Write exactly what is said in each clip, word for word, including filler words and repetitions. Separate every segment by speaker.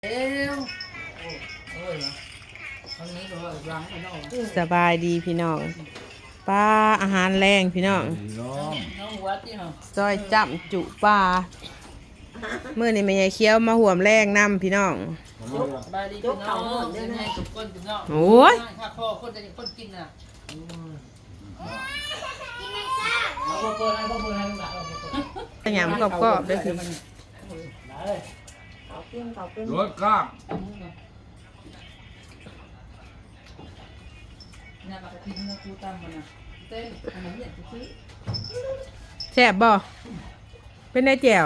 Speaker 1: เอ้วโอ้โอ้ยตอนนี้ก็ร้างไปนอก
Speaker 2: สบายดีพี่น้องปลาอาหารแรงพี่น้อง
Speaker 3: น้อง
Speaker 1: น้องวัดที่เหรอ
Speaker 2: ซอยจับจุปลาเมื่อนี้แม่ยายเคี้ยวมาห่วมแรงนำพี่น้อง
Speaker 1: สบายดีพี่น้องเดินให้ทุกคนพี่น้อง
Speaker 2: โอ้ย
Speaker 1: ข้าพ่อคนจะคนกินน่ะเอาเปิดให้เปิดให้ลูกหลานเอาเปิด
Speaker 2: ขยำกรอบๆด้วยคือ
Speaker 4: เขาปิ้งเขาปิ้ง
Speaker 3: รถกล้าม
Speaker 1: เนี่ยปกติมันกูตามมันนะเต้นอันนี้เนี่ยซื้อ
Speaker 2: แซ่บบ่เป็นได้แจ่ว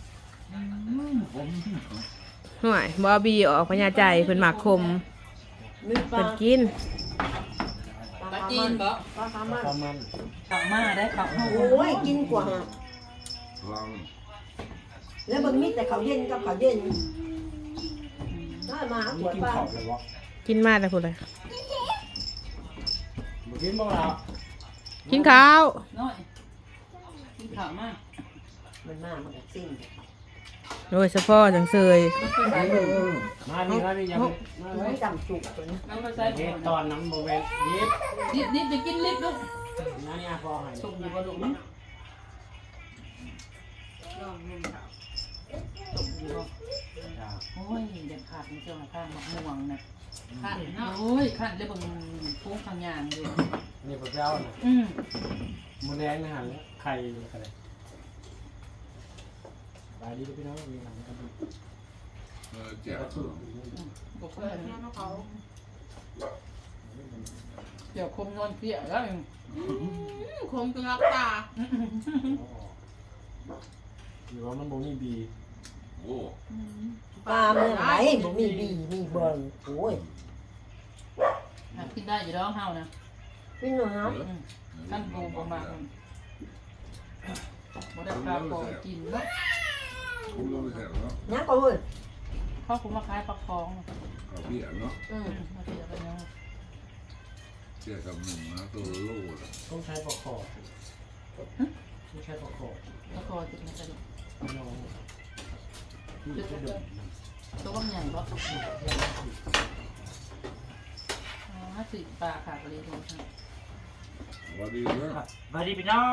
Speaker 2: หน่วยบอบีออกพญาใจเพิ่นหมักคม
Speaker 4: มีปลา
Speaker 2: เพิ่นกิน
Speaker 1: ปลาจีนบ่
Speaker 4: ปลาคามัน
Speaker 3: ประมาณ
Speaker 1: ขับมาได้ขับ
Speaker 4: โอ้ยกินกว่า
Speaker 3: ฟัง
Speaker 4: แล้วมันมีแต่เขาวเย็นกับเขาวเย็นถ้ามาหัวปลา
Speaker 2: กินมาแต่พูดเลย
Speaker 3: มึงกินบ้างแล้ว
Speaker 2: กินข้าว
Speaker 1: น้อยกินข้าวมาก
Speaker 4: มันมามันก็สิ้น
Speaker 2: โดยเฉพาะจังเซย
Speaker 3: มาดิมาดิอย่าไปมา
Speaker 4: มัน
Speaker 3: ไว้
Speaker 4: ไม่จำจุกตัวนี้
Speaker 1: น้ำมาใส่
Speaker 3: เฮ็ดตอนน้ำโมเวยิบ
Speaker 1: นิดนิดจะกินลิบลูก
Speaker 3: นั่นนี่พอให้
Speaker 1: สุกอยู่บ่ลูกมั้งลองนุ่มค่ะสุกอยู่บ่โอ้ยเด็ดขาดมันจะมาข้างมะม่วงนะขาดเนาะโอ้ยขาดเลยบางฟุ้งทางยางเลย
Speaker 3: นี่พระเจ้าน่ะ
Speaker 1: อืม
Speaker 3: มูแดงนะฮะไข่อะไรบายดีพี่น้องมีหลังกันเออแจ๋ว
Speaker 1: บ่เคยนะเขาเดี๋ยวคมนอนเกลี้ยแล้วคมจนรับตา
Speaker 3: หรือว่ามันบ่มีบีโอ้
Speaker 4: ปลาเมื่อไหร่บ่มีบีมีเบิ่งโอ้ย
Speaker 1: กินได้อยู่แล้วเฮานะ
Speaker 4: พี่น้อง
Speaker 1: ท่านปูประมาณบ่ได้ปลาโปกินเนาะ
Speaker 3: ผมรู้แค่แล้ว
Speaker 4: ยังก็เว้ย
Speaker 1: เขาคุมาขายปลาคอง
Speaker 3: เขาเปียเนาะ
Speaker 4: อืม
Speaker 1: มาเสียไปยัง
Speaker 3: เปียกับหนึ่งนะตัวโล่ละต้องใช้ปลาคอต้องใช้ปลาคอ
Speaker 1: ปลาคอติดมาจะ
Speaker 3: น้อง
Speaker 1: ตัวใหญ่บ่อ๋อสิปลาขาดเลยทุกท่าน
Speaker 3: สวัสดีเด้อ
Speaker 5: สวัสดีพี่น้อง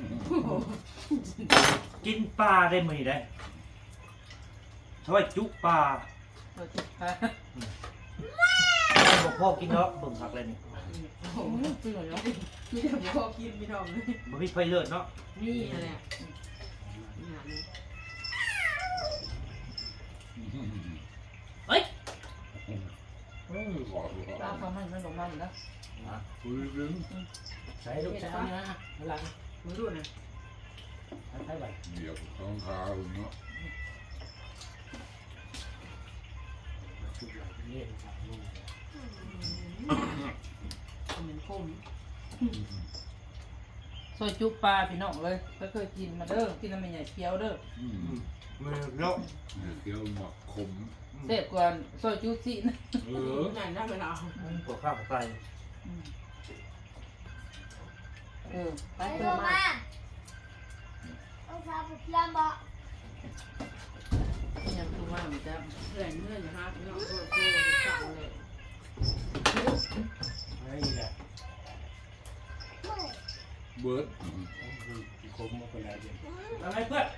Speaker 5: กินปลาได้มั้ยได้ช่วยจุปลา
Speaker 1: ตัวจิปลา
Speaker 5: บอกพ่อกินเนาะเบิ่งผักเลยนี่
Speaker 1: โอ้โหพี่หน่อยเนาะพี่เดี๋ยวพ่อกินพี่น้องเลย
Speaker 5: บ่มีไฟเลือดเนาะ
Speaker 4: นี่อะไร
Speaker 5: เฮ้ย
Speaker 3: เออขอดู
Speaker 1: ปลาเขามันไม่ลงมาอยู่แล้ว
Speaker 3: คุยดึงใช้ลูก
Speaker 1: ใช่
Speaker 3: ใช้
Speaker 1: ไหม
Speaker 3: หลัง
Speaker 1: มือรุ่นนะ
Speaker 3: ใช้ใบเดี๋ยวข้างขาเนาะ
Speaker 1: เหมือนคมซอยจุปลาพี่น้องเลยก็เคยกินมาเด้อกินแล้วไม่ใหญ่เคี้ยวเด้อ
Speaker 3: อืม
Speaker 5: มือเนาะ
Speaker 3: เคี้ยวหมักขม
Speaker 1: เด็ดกว่าซอยจุสินะ
Speaker 3: เออ
Speaker 1: ใหญ่ได้ไหมเรา
Speaker 5: ปวดข้าวปวดไต
Speaker 1: เออไป
Speaker 4: ไป
Speaker 1: เถ
Speaker 4: เถ
Speaker 1: อะ
Speaker 4: อะ
Speaker 1: มา
Speaker 4: มาเอาซาบุพลามบ่
Speaker 1: ยังคือว่ามันจะแรงเงื่อนนะฮะพี่น้องโคตรโคตรเก่าเลย
Speaker 3: ไอ้แหละเบิร์ดคมมาเป็นอะไรเดียว
Speaker 5: อะไรเพื่อน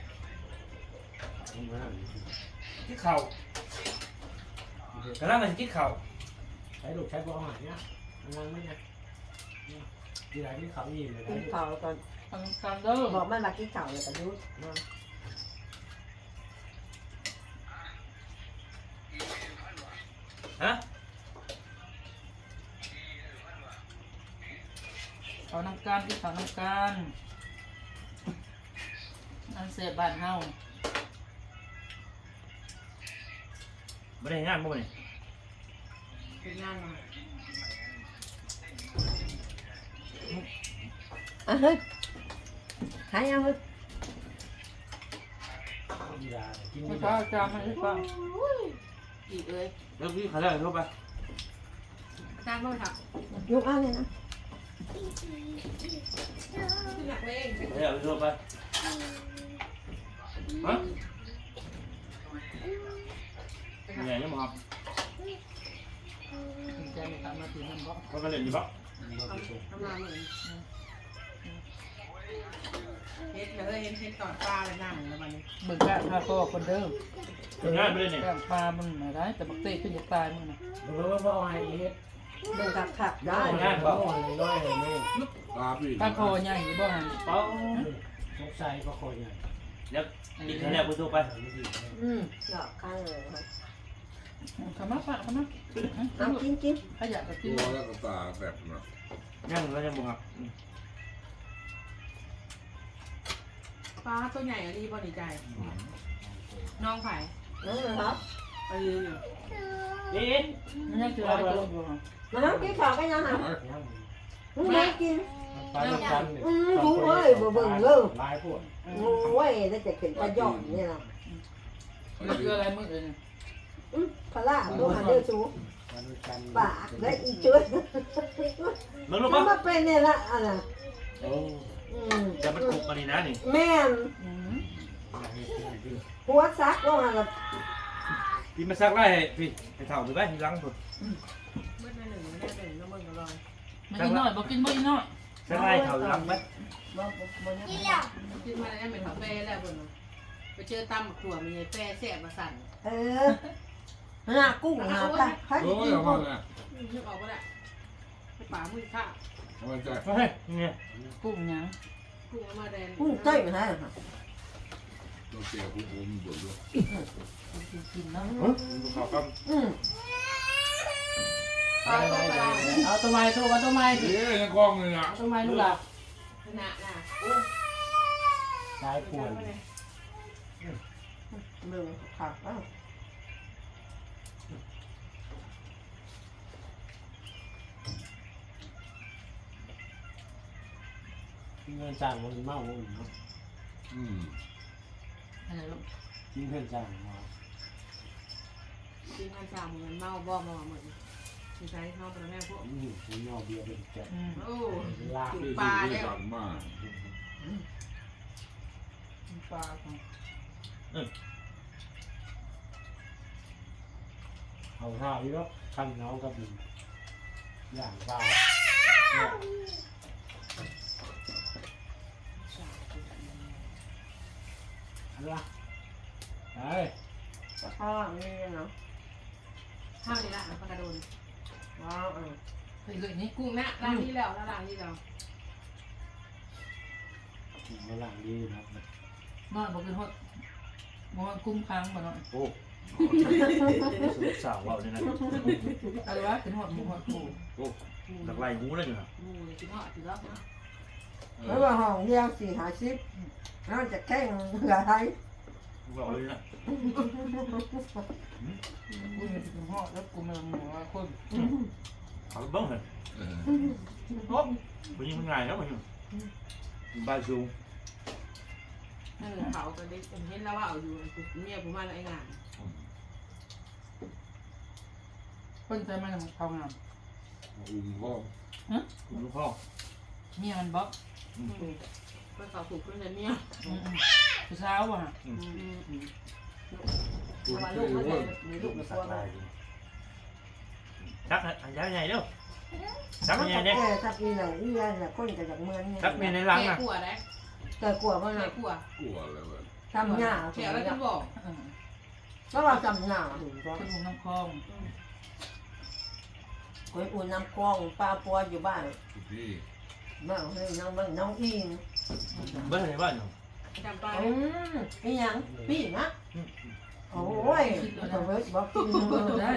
Speaker 5: กินข้าวกำลังจะกินข้าว
Speaker 3: ใช้ลูกใช้บอลหายเนี่ยมันไม่เนี่ยที่ไหนที่เขาอีกเลย
Speaker 4: กินข้าวก่อน
Speaker 1: ทำการเด้อ
Speaker 4: บอกมันมากินข้าวแล้วก็ยุดมา
Speaker 5: ฮะ
Speaker 1: เขานำการที่เขานำการอันเสียบ้านเฮา
Speaker 5: บ่ได้งานบ่นี่
Speaker 1: เป็นงานมา
Speaker 4: อ่ะเฮ้ยขายยังเฮ้ย
Speaker 3: กีฬากิน
Speaker 1: ไม่
Speaker 3: ไม่
Speaker 1: ใช่
Speaker 3: ได้
Speaker 1: จานไม่ใช่อีกเลย
Speaker 5: แล้วพี่เขาได้เข้าไป
Speaker 1: จานไม่ถัก
Speaker 4: ยุกเอาเลยนะ
Speaker 1: หนักเลย
Speaker 5: เดี๋ยวเข้าไปฮะ
Speaker 1: เป็น
Speaker 5: เป็นไงยังบ่ครับ
Speaker 1: ใจไม่ตามมาถึงนั่นบ่
Speaker 5: เขาก็เล่นอยู่ปะ
Speaker 6: ทำงานเหมือนเฮ็ดเลยเห็นเห็นตอนปลาเลยนั่งแล้วมัน
Speaker 1: เบิ่งกะพาพ่อคนเดิม
Speaker 5: เป็นงานไปเลยเนี่ย
Speaker 1: กะปลามันไม่ได้แต่บักเต้ขึ้นอยากตายมึงน่ะ
Speaker 7: เออว่าไอ้เฮ็ด
Speaker 4: เดินขับขับได้
Speaker 7: งานบ่น้อยๆนี่
Speaker 3: ตาพี่
Speaker 1: ปลาคอใหญ่บ่หัน
Speaker 5: เป้า
Speaker 7: สงสัยก็คอยใหญ่
Speaker 5: เดี๋ยวกินข้าวเหนียวกูสู้ไป
Speaker 4: อืมหลอกข้างเลยค่ะ
Speaker 1: ขมาปะขมา
Speaker 4: เอากินกิน
Speaker 1: ขยะก็กิน
Speaker 3: ตัวแล้วก็ตาแบบน่ะ
Speaker 5: ยังแล้วยังบ่ครับ
Speaker 6: ปลาตัวใหญ่อะดีบ่ดีใจ น้องไผ่
Speaker 4: นั่นนะครับ
Speaker 6: ไปยืนอยู่
Speaker 5: เอ๊ะ
Speaker 1: มันยังจะลอยตัวอยู่ฮะ
Speaker 4: มาน้ำกินข้าวกันยังฮะมึงไม่กิน
Speaker 7: ไปแล้วกัน
Speaker 4: อืมกูเอ้ยบ่เบิ่งเลย
Speaker 7: หลายพวก
Speaker 4: โอ้ยแล้วจะขึ้นประยอดนี่นะ
Speaker 1: มันคืออะไรมึงเอง
Speaker 4: อืมพละดูหันเดือดสู
Speaker 7: มาด้วยกัน
Speaker 4: ปากและอีจุด
Speaker 5: มึงรู้
Speaker 4: มัน
Speaker 5: ปะ
Speaker 4: มาเป็นเนี่ยละอันน่ะ
Speaker 5: โอ้
Speaker 4: อืม
Speaker 5: จะมันคุกอันนี้นะนี่
Speaker 4: แม่นหัวซักลงหันละ
Speaker 5: พี่มาซักไล่ให้พี่ไปเท่าไปไว้ที่หลังสุด
Speaker 6: เมื่อหนึ่งแม่หนึ่งน้ำมันก็ลอย
Speaker 1: มันอีน้อยบ่กินบ่อีน้อย
Speaker 5: ซักไล่เท่าหลังไป
Speaker 4: บ่บ่บ่ยัง
Speaker 6: ขึ้นมาแล้วเป็นหัวเป้แล้วบนไปเจอตำขัวมีเป้แซ่บมาสั่น
Speaker 4: เออหน้ากุ้งหน้าปลาใคร
Speaker 3: โอ้
Speaker 4: กิ
Speaker 3: ย
Speaker 4: น
Speaker 3: เอา
Speaker 4: กุ้
Speaker 3: มาง เนี่ย
Speaker 6: นึกออกก็ได้ไปป่ามือข้า
Speaker 3: เอามาใจ
Speaker 5: เฮ้ยนี่
Speaker 1: กุ้งหยัง
Speaker 6: กุ้งมาแดง
Speaker 4: กุ้งเต้ยฮะ
Speaker 3: ตัวเสียผู้ผมบ่ด้วย
Speaker 1: กินกินเนาะ
Speaker 5: ดูข่าวกัน
Speaker 4: อืม
Speaker 6: ปลาตัวปลา
Speaker 1: เอาตัวไม้ตัวเอาตัวไม้สิ
Speaker 3: เฮ้ยยังกล้องเลยนะ
Speaker 1: เอาตัวไม้ลูกหลาน
Speaker 6: ขนาดน่ะ
Speaker 7: หลายพวก
Speaker 4: เบิ่งขับอ้าว
Speaker 7: เงินจ้างมันเมาเนาะ
Speaker 3: อืม
Speaker 1: อะไรลูก
Speaker 7: กินเงินจ้างมา
Speaker 6: กินมันชาเหมือนเมาบ่มาเหมือนมีใช้เมาเป็นแม่พวก
Speaker 7: อยู่ผมยอเบียร์เป็นแก่
Speaker 1: อืม
Speaker 6: โอ้
Speaker 7: ลา
Speaker 6: จุ
Speaker 3: ที่
Speaker 6: ปลา
Speaker 3: ที่
Speaker 6: แล้ว
Speaker 3: สั่งมา
Speaker 1: ปลาของ
Speaker 7: เอาท่าอีกแล้วคันน้องกับดินอย่างปลาอันละไอ้
Speaker 4: กระเพาะนี่เนาะ
Speaker 6: ข้าวนี่ละปลากระโดน
Speaker 4: ว้าวเออ
Speaker 1: ไปเลยนี่
Speaker 6: กุ้งนะล้างที่แล้วล้างที่แล้ว
Speaker 7: มาหลังดีนะ
Speaker 1: นอนบ่กินฮอดบ่ฮอดกุ้งค้างบ่เนาะ
Speaker 5: โอ้สุดสาวเอาเนี่ยนะ
Speaker 1: อะไรวะกินฮอดหมูฮอดปู
Speaker 5: โอ้หลักไล่หูเลยอยู่นะ
Speaker 6: มูกินหอดถือว่าเนาะ
Speaker 4: แล้วว่าห้องเดียวสี่หาสิบนอกจากแข่งเหลือไทย
Speaker 5: บอกเลยนะ
Speaker 1: กูมีกินฮอดแล้วกูมันหมูว่าคน
Speaker 5: เขาบ้างเหรอ
Speaker 3: เออ
Speaker 1: โอ้
Speaker 5: วันนี้มันง่ายแล้วมันบ้านสูง
Speaker 6: นั่นเขาก็ได้เห็นแล้วว่าเอาอยู่เมียผมมาแล้วไอ้งาน
Speaker 1: คนใจมันเขางาม
Speaker 3: อุ้มพ่อ
Speaker 5: คุณลูกพ่อ
Speaker 1: เมียมันบ่
Speaker 6: ก็เขาถูกขึ้นเลยเมีย
Speaker 1: ผู้สาวบ่ฮะ
Speaker 3: ตัว
Speaker 4: ว่า
Speaker 3: ที่
Speaker 4: ลูกมัน
Speaker 3: ว่า
Speaker 4: มีลูกมีตัวมัน
Speaker 5: ชักอันยาวใหญ่เด้อชัก
Speaker 4: มัน
Speaker 5: ใหญ่
Speaker 4: จะ
Speaker 5: เนี่ย
Speaker 4: แก่ทับอีหลังอีหลังเนี่ยคนจะจากเมืองเนี่ย
Speaker 5: ชักมีในหลัง
Speaker 6: แก่
Speaker 5: อ่ะ
Speaker 6: กลัวได้
Speaker 4: แต่กลัวมัน
Speaker 6: แก่
Speaker 4: นะ
Speaker 6: กลัว
Speaker 3: กลัวเลยเว้ย
Speaker 4: ทำหน้า
Speaker 6: แก่แล้วฉันบอก
Speaker 4: ก็ว่าทำหน้าถึงก็
Speaker 1: คนหุ่นน้ำคลอง
Speaker 4: คนอุ่นน้ำคลองปลาปัวอยู่บ้าน
Speaker 3: ทุกที่
Speaker 4: บ้านให้น้องบ้านน้องอิง
Speaker 5: เบ้านในบ้านอยู่
Speaker 6: จำปา
Speaker 4: อืมนี่ยังพี่นะโอ้ยตัวเวทบอกกิน
Speaker 1: ได้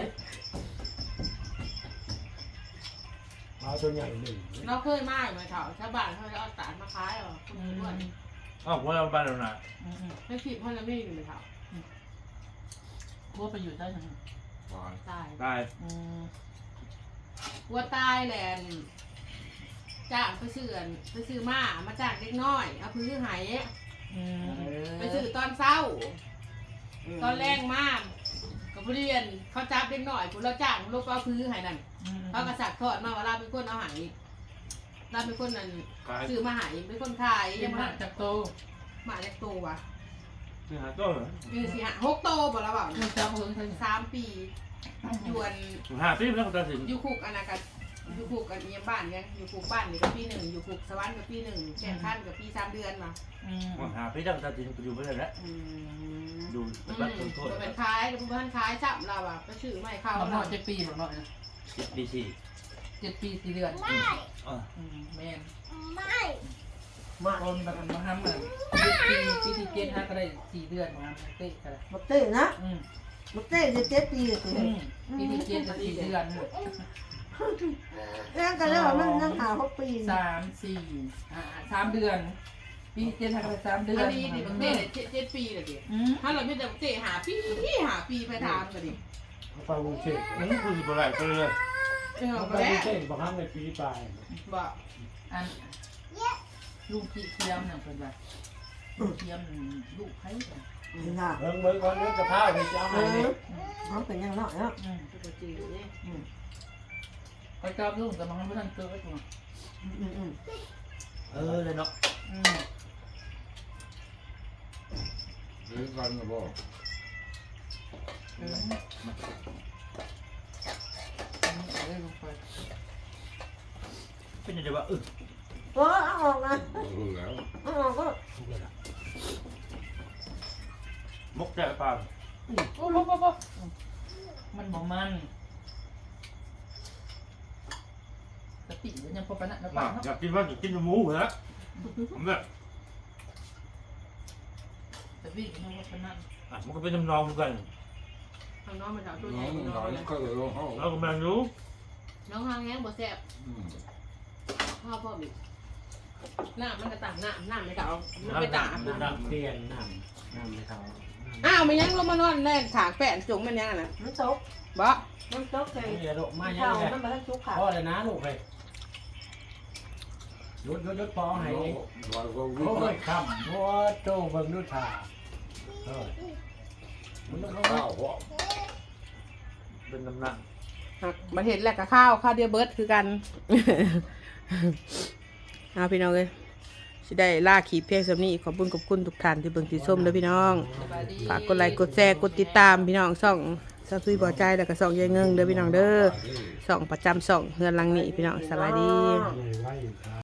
Speaker 7: เอาตัวใหญ่หนึ่ง
Speaker 6: เราเคยมากเลยเขาชาวบ้านเขาจะเอาสารมาขายหรอคุณด้วย
Speaker 5: อ้าวว่าเราบ้านเราหนา
Speaker 6: ไม่ผิดเพราะเราไม่อยู่ในเขา
Speaker 1: กูไปอยู่ได้ยัง
Speaker 3: ตาย
Speaker 6: ตาย
Speaker 5: ตาย
Speaker 1: อืม
Speaker 6: วัวตายแหละจ้างไปซื้อไปซื้อมามาจ้างเล็กน้อยเอาพื้นหาย
Speaker 1: อืม
Speaker 6: ไปซื้อตอนเช้า ตอนแรงมากกับเรียนเขาจับเล็กน้อยคุณเราจ้างลูกเอาพื้นหายนั่นเขากระสักทอดมาว่าเราเป็นคนเอาหายเราเป็นคนนั่น
Speaker 5: ตาย
Speaker 6: ซื้อมาหายเป็นคนขาย
Speaker 1: ยั
Speaker 6: ยัง ง
Speaker 1: มา
Speaker 6: มา
Speaker 1: จากโต
Speaker 6: หมาเล็กโตว่ะ
Speaker 5: ไปหาตัวเหรอ
Speaker 6: คือสี่ห้าหกโตบ่แล้วเปล่า
Speaker 1: เงินเจ้าเงินเงิน
Speaker 6: สามปียวน
Speaker 5: หาปีแล้วก็ตัดสิน
Speaker 6: อยู่คุกอันนั้นกันอยู่คุกกันเยี่ยมบ้านยังอยู่คุกบ้านนี่ก็ปีหนึ่งอยู่คุกสวรรค์ก็ปีหนึ่งแข่งขันกับปีสามเดือนมา
Speaker 1: อืม
Speaker 5: หาปีแล้วก็ตัดสินไปอยู่ไปเลยแล้ว
Speaker 6: อืม
Speaker 5: ดู
Speaker 6: อืม
Speaker 5: บัตรต้นโทษ
Speaker 6: เป็นคล้ายเป็นบ้านคล้ายจับเราอะก็ชื่อไม่เข้า
Speaker 1: เขาหน่
Speaker 6: เรา
Speaker 1: อยเจ็ดปีหรอกหน่อยนะ
Speaker 5: สิบปีสี่
Speaker 1: เจ็ดปีสี่เดือน
Speaker 5: อ่า
Speaker 1: อืมแม่น
Speaker 4: มา
Speaker 1: โอนแบบมาทำเลยปีปีที่เจ็ดฮะก็ได้สี่เดือนมาทำเตะกันเลย
Speaker 4: บักเต้นะ
Speaker 1: อืม
Speaker 4: บักเต้จะเจ็ดปีเลย
Speaker 1: อืมปีที่เจ็ดจะสี่เดือน
Speaker 4: เรื่องกันแล้วว่ามันนั่งหาหกปี
Speaker 1: สามสี่อ่าสามเดือน ปีที่เจ็ดฮะก็ได้สามเดือน
Speaker 6: อันนี้ดิบักเต้เจ็ดเจ็ดปีเลยดิ
Speaker 1: อืม
Speaker 6: ถ้าเราไม่แต่บักเต้หาปีหาปีไปทำกันดิ
Speaker 7: เอาไปวงเชน
Speaker 5: อืมคือสิบอะไรไปเลย
Speaker 6: เออ
Speaker 7: เอาไป
Speaker 6: มา
Speaker 7: ว
Speaker 6: แล้
Speaker 7: ง
Speaker 6: ว
Speaker 7: เชนบางครั้งในปีปลาย
Speaker 6: บอก
Speaker 1: อันลูกขี้เทียมน่ะเป็นแบบลูกเทียมลูกไผ่จ้ะ
Speaker 4: เห็นค่ะ
Speaker 7: เบิ่งเบิ่งก่อนเรื่องกระเพราที่จะเอา
Speaker 4: เอ
Speaker 7: มาเนี่
Speaker 4: อย มันเป็นยังไงเนาะ
Speaker 1: อืม
Speaker 6: ตัวจริงนี่
Speaker 1: อืมไปกราบลูกแต่มันไม่ทันเจอไอ้ตัว
Speaker 4: อืมอืม
Speaker 5: เออเลยเนาะ
Speaker 1: อืม
Speaker 3: เลี้ยงกันนะพ่อ
Speaker 1: เอออันนี้เอาเลยลงไป
Speaker 5: เป็นยังไงวะเออ
Speaker 4: เออเอาออกนะ
Speaker 3: รู้แล้ว
Speaker 4: เอาออกก็
Speaker 5: มกแจ่ปลา
Speaker 1: โอ้โหโอ้โหมันบอกมันสติเดี๋ยวยังพอปะนะนะ
Speaker 5: อ
Speaker 1: ป้าเนาะ
Speaker 5: ยากกินว่าอยากกินหมูเหรอผมแบบ
Speaker 1: สติเดี๋ยวยังพอปะนะ
Speaker 5: อ่ะมันก็เป็นน้ำนองเหมือนกัน
Speaker 6: ทางน้องมันถามตัวให
Speaker 3: น้
Speaker 6: ญ่
Speaker 3: อง
Speaker 6: น้
Speaker 3: น้
Speaker 6: อ
Speaker 3: อง
Speaker 6: ง
Speaker 3: ก็เลยลงห้อง
Speaker 5: เราก็แมงรู้
Speaker 6: น้องหางแห้งบ่แซ่บ
Speaker 3: อืม
Speaker 6: ข้าวพ่อบิหน้ามันกระต่างหน้าหน้าไม่เก่ามัน
Speaker 5: น้ำ
Speaker 6: ไป
Speaker 5: หนั
Speaker 6: ต่าก ง
Speaker 5: น้ำหนัก
Speaker 7: เปลี่ยนน้ำน้ำในเขา
Speaker 6: อ้าวมันยังลงมานอนแน่ถางแป้นจงมันยังน่ะ
Speaker 4: มันตก
Speaker 6: บ่
Speaker 4: มันตกใจ
Speaker 7: ไม่อย่าโดดมาอย่า
Speaker 4: เข่า
Speaker 7: เลย
Speaker 4: มันมาทั้งชุกขา
Speaker 7: พ่อเลยนะลูกเลยยุดยุดยุดพอให้
Speaker 3: น้อง
Speaker 7: นี่
Speaker 3: ลอยก็วิ่
Speaker 7: โอ้
Speaker 3: ง
Speaker 7: ยคำโอ้โจเบิ่งดูท่าเออมันต้องเข้า
Speaker 3: ข้าวพ่อ
Speaker 5: เป็นน้ำหนัก
Speaker 6: มันเห็นแหละกับข้าวข้าวเดียวเบิร์ดคือกัน
Speaker 2: เอาพี่น้องเลยสิได้ล่าขีเพียงสำนี้ขอบคุณขอบคุณทุกท่านที่เบิ่งที่ส้มเด้อพี่น้อง
Speaker 1: สบายดี
Speaker 2: ฝากกดไลค์กดแชร์กดติดตามพี่น้องส่องซาซุยบ่อใจแล้วก็ส่องยายเงิงเด้อพี่น้องเด้อส่องประจำส่องเฮือนหลังนี้พี่น้องสบายดี
Speaker 7: เลยไว้อยู่ครับ